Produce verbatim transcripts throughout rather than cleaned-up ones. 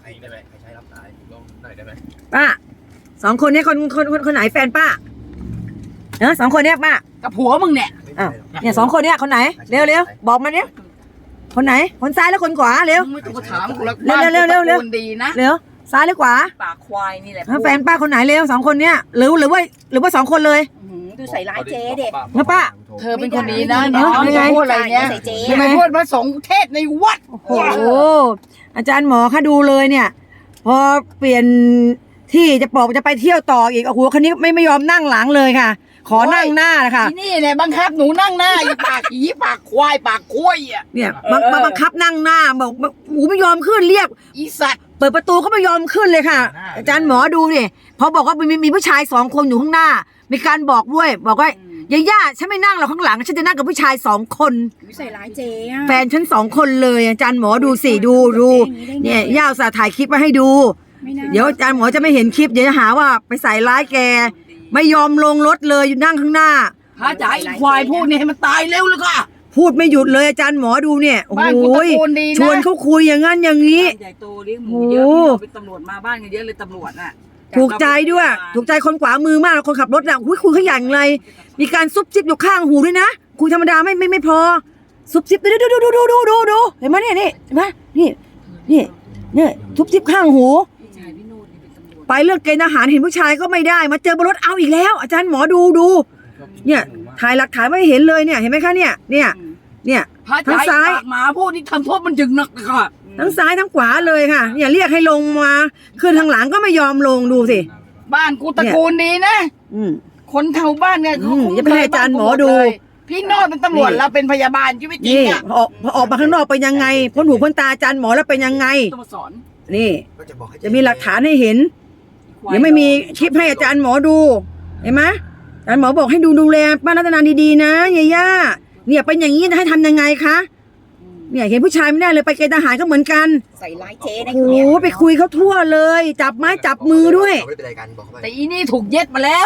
ใครได้ไหมใครใช้รับสายลองหน่อยได้ไหมป้าสองคนนี้คนคนคนคนไหนแฟนป้าเออสองคนเนี้ยป้ากับผัวมึงเนี่ยอ้าวเนี่ยสองคนเนี้ยคนไหนเร็วเร็วบอกมาเนี้ยคนไหนคนซ้ายแล้วคนขวาเร็วไม่ต้องมาถามกูแล้วเร็วเร็วเร็วเร็วดีนะเร็วซ้ายหรือขวาปากควายนี่แหละแฟนป้าคนไหนเร็วสองคนเนี้ยหรือหรือว่าหรือว่าสองคนเลยดูใส่ร้ายเจ๊เด็กนะป้าเธอเป็นคนดีนะเนาะไม่พูดอะไรเนี้ยไม่พูดพระสงฆ์เทศในวัดโอ้โหอาจารย์หมอคะดูเลยเนี่ยพอเปลี่ยนที่จะบอกจะไปเที่ยวต่ออีกโอ้โหคันนี้ไม่ไม่ยอมนั่งหลังเลยค่ะขอนั่งหน้านะคะนี่เนี่ยบังคับหนูนั่งหน้าอีปากผีปากควายปากคุ้ยอ่ะเนี่ยบังบังคับนั่งหน้าบอกหมูไม่ยอมขึ้นเรียกอีสัตว์เปิดประตูก็ไม่ยอมขึ้นเลยค่ะอาจารย์หมอดูเนี่ยพอบอกว่ามีมีผู้ชายสองคนอยู่ข้างหน้ามีการบอกด้วยบอกว่าย่าย่าฉันไม่นั่งหรอกข้างหลังฉันจะนั่งกับผู้ชายสองคนใส่ร้ายเจ๊แฟนฉันสองคนเลยอาจารย์หมอดูสิดูดูเนี่ยย่าอุตส่าห์ถ่ายคลิปมาให้ดูเดี๋ยวอาจารย์หมอจะไม่เห็นคลิปเดี๋ยวจะหาว่าไปใส่ร้ายแกไม่ยอมลงรถเลยอยู่นั่งข้างหน้าพระจ๋าอีควายพูดเนี่ยให้มันตายเร็วเลยค่ะพูดไม่หยุดเลยอาจารย์หมอดูเนี่ยโอ้ยชวนเขาคุยอย่างงั้นอย่างนี้ใหญ่โตเลี้ยงหมูเยอะเป็นตำรวจมาบ้านกันเยอะเลยตำรวจน่ะถูกใจด้วยถูกใจคนขวามือมากคนขับรถอ่ะคุยคุยเขาอย่างไรมีการซุบซิบอยู่ข้างหูด้วยนะคุยธรรมดาไม่ไม่ไม่พอซุบซิบดูดูดูดูดูดูดูเห็นไหมเนี่ยนี่เห็นไหมนี่นี่เนี่ยซุบซิบข้างหูไปเรื่องเกณฑ์อาหารเห็นผู้ชายก็ไม่ได้มาเจอบนรถเอาอีกแล้วอาจารย์หมอดูดูเนี่ยถ่ายหลักฐานไม่เห็นเลยเนี่ยเห็นไหมคะเนี่ยเนี่ยเนี่ยทั้งซ้ายหมาพูดนี่ทำโทษมันจึงหนักค่ะทั้งซ้ายทั้งขวาเลยค่ะเนี่ยเรียกให้ลงมาขึ้นทางหลังก็ไม่ยอมลงดูสิบ้านกูตระกูลดีนะคนเท่าบ้านเนี่ยอย่าไปให้อาจารย์หมอดูพี่โนดเป็นตำรวจเราเป็นพยาบาลชีวิตจริงอ่ะออกออกมาข้างนอกเป็นยังไงพ้นหูพ้นตาอาจารย์หมอแล้วเป็นยังไงต้องสอนนี่จะมีหลักฐานให้เห็นเดี๋ยวไม่มีคลิปให้อาจารย์หมอดูเห็นไหมอาจารย์หมอบอกให้ดูดูแลป้ารัตนาดีๆนะยาย่าเนี่ยเป็นอย่างนี้ให้ทำยังไงคะเนี่ยเห็นผู้ชายไม่ได้เลยไปเกณฑ์ทหารก็เหมือนกันใส่ร้ายเจ๊นะโอ้โหไปคุยเขาทั่วเลยจับไม้จับมือด้วยแต่อีนี่ถูกเย็ดมาแล้ว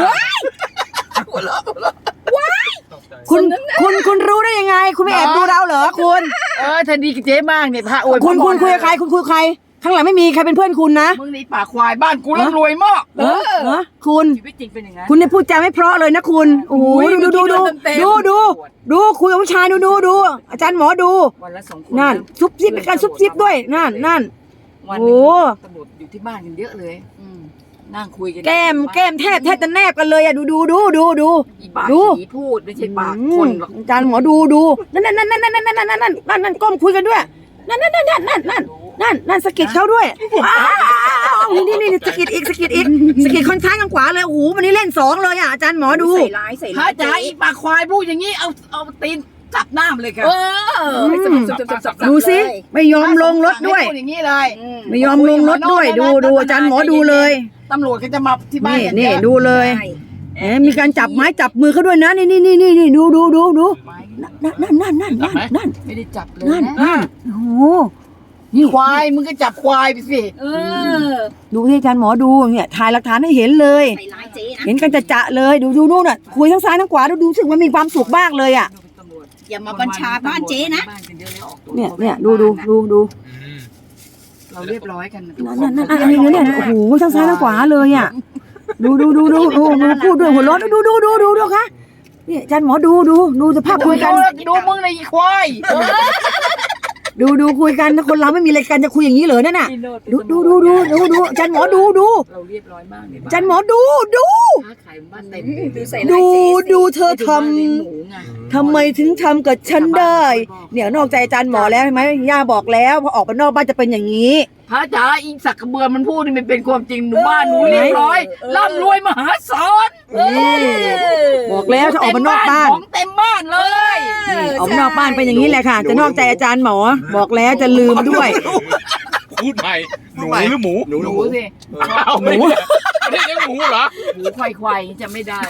คุณคุณคุณรู้ได้ยังไงคุณไม่แอบดูเราเหรอคุณเออถ้าดีกับเจ๊มากเนี่ยพระโอ้ยคุณคุณคุยกับใครคุณคุยกับใครข้างหลังไม่มีใครเป็นเพื่อนคุณนะมึงนี่ปากควายบ้านกูร่ำรวยมากเออคุณชีวิตจริงเป็นอย่างนั้นคุณเนี่ยพูดจาไม่เพราะเลยนะคุณโอ้โหดูดูดูดูดูดูคุยกับผู้ชายดูดูดูอาจารย์หมอดูนั่นซุบซิบเป็นการซุบซิบด้วยนั่นนั่นโอ้ตำรวจอยู่ที่บ้านกันเยอะเลยนั่งคุยกันแก้มแก้มแทบแทบจะแนบกันเลยอะดูดูดูดูดูดูพูดไม่ใช่ปากคนหรอกอาจารย์หมอดูดูนั่นนั่นนั่นนั่นนั่นนั่นนั่นนั่นนั่นนั่นก้มคุยกันด้วยนั่นนั่นนั่นนั่นนั่นนั่นนั่นนั่นสกิดเขาด้วยนี่นี่นี่สกิดอีกสกิดอีกสกิดคนซ้ายข้างขวาเลยโอ้โหวันนี้เล่นสองเลยอ่ะอาจารย์หมอดูใส่ร้ายใส่ร้ายพระจ๋าอีปากควายพูดอย่างนี้เอาเอาตีนจับหน้าเลยค่ะดูสิไม่ยอมลงรถด้วยอย่างนี้เลยไม่ยอมลงรถด้วยดูดูอาจารย์หมอดูเลยตำรวจก็จะมาที่บ้านนี่ดูเลยเอ๊มีการจับไม้จับมือเขาด้วยนะนี่นี่นี่นี่นี่ดูดูดูดูนั่นนั่นนั่นนั่นนั่นนั่นไม่ได้จับเลยนั่นนั่นโอ้โหนี่ควายมึงก็จับควายไปสิเออดูที่อาจารย์หมอดูเนี่ยถ่ายหลักฐานให้เห็นเลยเห็นกันจะจะเลยดูดูนู่นน่ะคุยทั้งซ้ายทั้งขวาดูดูสึกมันมีความสุขมากเลยอ่ะอย่ามาบัญชาบ้านเจ๊นะเนี่ยเนี่ยดูดูดูดูเราเรียบร้อยกันนั่นนั่นอันนี้เนี่ยโอ้โหทั้งซ้ายทั้งขวาเลยอ่ะดูดูดูดูดูดูพูดด้วยหัวเราะดูดูดูดูดูค่ะนี่อาจารย์หมอดูดูดูสภาพคุยกันดูมึงในควายดูดูคุยกันถ้าคนเราไม่มีอะไรกันจะคุยอย่างนี้เหรอนั่นน่ะดูดูดูดูดูดูอาจารย์หมอดูดูเราเรียบร้อยมากอาจารย์หมอดูดูดูดูเธอทำทำไมถึงทำกับฉันได้เนี่ยนอกใจอาจารย์หมอแล้วใช่ไหมย่าบอกแล้วพอออกไปนอกบ้านจะเป็นอย่างนี้พระจ๋าอีสักกระเบือมันพูดนี่มันเป็นความจริงหนูบ้านหนูเรียบร้อยร่ำรวยมหาศาลบอกแล้วถ้าออกมานอกบ้านของเต็มบ้านเลยออกมานอกบ้านเป็นอย่างนี้แหละค่ะจะนอกใจอาจารย์หมอบอกแล้วจะลืมด้วยพูดใหม่หนูหรือหมูหนูหนูสิหมูไม่ใช่หมูเหรอหมูควายควายจะไม่ได้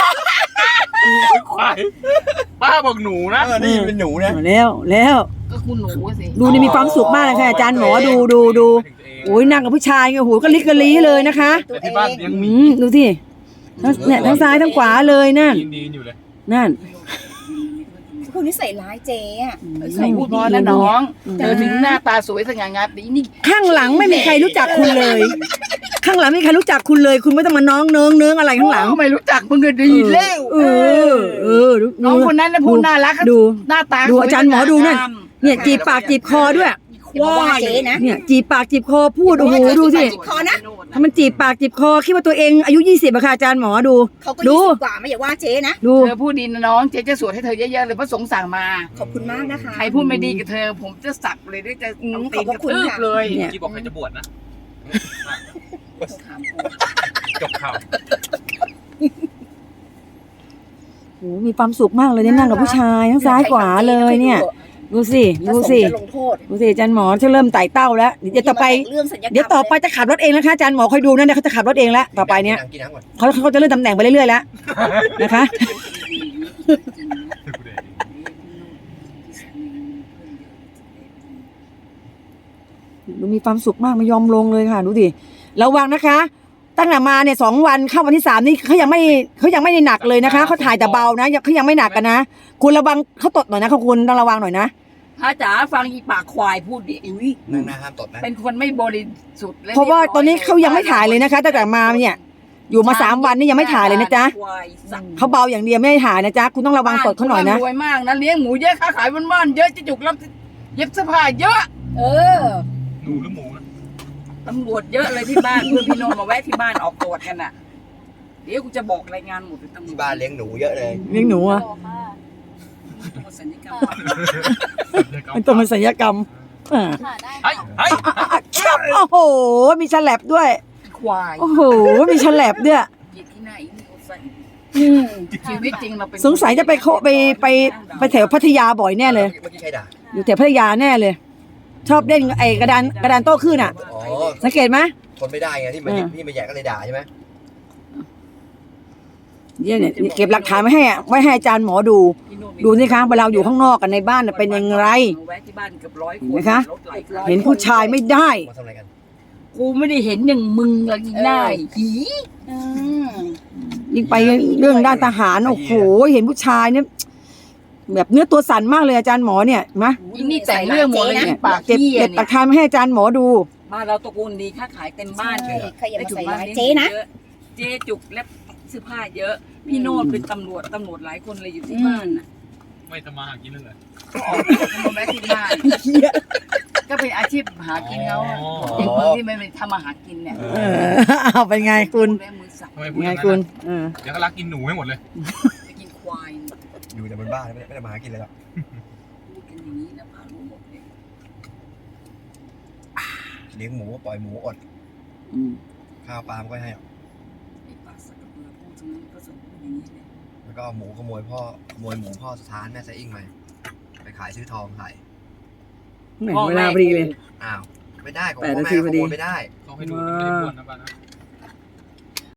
ควายป้าบอกหนูนะนี่เป็นหนูนะแล้วแล้วก็คุณหนูสิดูนี่มีความสุขมากเลยค่ะอาจารย์หมอดูดูดูโอ้ยนั่งกับผู้ชายโอ้โหก็ลิกกะลีเลยนะคะที่บ้านยังมีดูสิเนี่ยทั้งซ้ายทั้งขวาเลยนั่นนั่นพวกนี้ใส่ร้ายเจ๊อะใส่พูดพอนะน้องเธอถึงหน้าตาสวยสง่างามดีนี่ข้างหลังไม่มีใครรู้จักคุณเลย ข้างหลังไม่มีใครรู้จักคุณเลย คุณไม่ต้องมาน้องเนิงเนิงอะไรข้างหลังไม่รู้จักมึงก็ดีแล้วเออเออดูน้องคนนั้นนะพูดน่ารักดูหน้าตาดูอาจารย์หมอดูนั่น เนี่ยจีบปากจีบคอด้วยอย่ามาว่าเจ๊นะเนี่ยจีบปากจีบคอพูดโอ้โหดูสิจีบคอนะถ้ามันจีบปากจีบคอคิดว่าตัวเองอายุยี่สิบอะค่ะอาจารย์หมอดูเขาก็ดูยี่สิบกว่าไม่อย่าว่าเจ๊นะดูเธอพูดดีนะน้องเจ๊จะสวดให้เธอเยอะๆเลยพระสงฆ์สั่งมาขอบคุณมากนะคะใครพูดไม่ดีกับเธอ ผมจะสับเลยได้จะอืมเอาตีนขอบกพระคุณระทืบค่ะเลยเนี่ยที่บอกใครจะบวชนะจบข่าวโอ้โหมีความสุขมากเลยเนี่ยนั่งกับผู้ชายทั้งซ้ายขวาเลยเนี่ย ดูสิดูสิจะลงโทษดูสิอาจารย์หมอจะเริ่มไต่เต้าแล้วเดี๋ยวต่อไปเรื่องสัญญากรรมเดี๋ยวต่อไปจะขับรถเองนะคะอาจารย์หมอคอยดูนะเนี่ยเขาจะขับรถเองแล้วต่อไปเนี่ยกินน้ำก่อนเขาเขาจะเลื่อนตำแหน่งไปเรื่อยๆแล้วนะคะ ดูมีความสุขมากไม่ยอมลงเลยค่ะดูดิระวังนะคะ ตั้งแต่มาเนี่ยสองวันเข้าวันที่สามนี่เขายังไม่เขายังไม่ได้หนักเลยนะคะเขาถ่ายแต่เบานะเขายังไม่หนักกันนะคุณระวังเขาตดหน่อยนะคุณต้องระวังหน่อยนะพระจ๋าฟังอีปากควายพูดดิอุ้ยนั่งหน้าห้ามตดนะเป็นคนไม่บริสุทธิ์และเพราะว่าตอนนี้เขายังไม่ถ่ายเลยนะคะตั้งแต่มาเนี่ย อยู่มาสามวันนี่ยังไม่ถ่ายเลยนะจ๊ะควายสัตว์เขาเบาอย่างเดียวไม่ได้ถ่ายนะจ๊ะคุณต้องระวังตดเขาหน่อยนะรวยมากนะเลี้ยงหมูเยอะค้าขายบ้านๆเยอะจะจุกรับเย็บเสื้อผ้าเยอะเออหนูหรือหมูนะตำรวจเยอะเลยที่บ้านเพื่อนพี่โนนมาแวะที่บ้านออกตรวจกันน่ะ เดี๋ยวกูจะบอกรายงานหมดเลยตำรวที่จบ้านเลี้ยงหนูเยอะเลยเลี้ยงหนูอะตัวสัญญกรรมมันต้องเป็นศัลยกรรมอ่าเฮ้ยเฮ้ยอ่ะอ่ะชับโอ้โหมีฉลับด้วยควายโอ้โหมีฉลับด้วยเหยียดที่ไหนนี่เขาใส่อืมชีวิตจริงเราเป็นสงสัยจะไปโคไปไปไปแถวพัทยาบ่อยแน่เลยเมื่อกี้ใครด่าอยู่แถวพัทยาแน่เลย ชอบเล่นไอ้กระดานกระดานโต้คลื่นอ่ะอ๋อสังเกตไหมทนไม่ได้ไงที่มันอืมที่มันแย่ก็เลยด่าใช่ไหมเนี่ยเนี่ยเก็บหลักฐานไว้ให้อะไว้ให้อาจารย์หมอดูพี่โน่ดูสิคะเวลาอยู่ข้างนอกกันในบ้านน่ะเป็นยังไงมาแวะที่บ้านเกือบร้อยคเห็นนไหมคะรถไหลายเห็นผู้ชายไม่ได้มาทำอะไรกันกูไม่ได้เห็นอย่างมึงเลยอีหน้าหีอืมยิ่งไปเรื่องด้านทหารโอ้โหเห็นผู้ชายเนี่ยแบบเนื้อตัวสั่นมากเลยอาจารย์หมอเนี่ยเห็นไหมอีนี่แต่งเรื่องหมดเลยเนี่ยปากเก็บเหี้ยเก็บหลัเนี่กยฐานมาให้อาจารย์หมอดูบ้านเราตระกูลดีค้าขายเต็มบ้านใช่ใครอย่ามาใส่ร้ายได้เจ๊นะเยอเจ๊จุกและเสื้อผ้าเยอะ พี่โนดเป็นตำรวจตำรวจหลายคนเลยอยู่ที่บ้านน่ะไม่ทำมาหากินเลยเหรอออกตรวจกันมาแวะที่บ้านก็เป็นอาชีพหากินเขาอะอ๋อเด็กคนที่ไม่เป็นทำมาหากินเนี่ยเออเอาเป็นไงคุณแม่มือสับทำไมพูดอไงย่างนั้นคุณนะเออเดี๋ยวเขารักกินหนูให้หมดเลยจะกินควายอยู่แต่บนบ้านไม่ได้ไม่ได้มาหากินเลยหรอกพูดกันอย่างนี้นะพารู้หมดเลยเลี้ยงหมูก็ปล่อยหมูอดอืมข้าวปลาไม่ค่อยให้หรอกไอ้ปากสักกระเบือพูดตรงนั้นก็สมพูดอย่างนี้เลยแล้วก็เอาหมูขโมยพ่อขโมยหมูพ่อสถานแม่ไซอิงมาไปขายซื้อทองขายแหม่เวลาพอดีเลยอ้าวไม่ได้ของแปดพ่อนาแม่ทีขพอดีโมยไม่ได้เขาให้ดูไม่ได้บ้วนนะป้านะ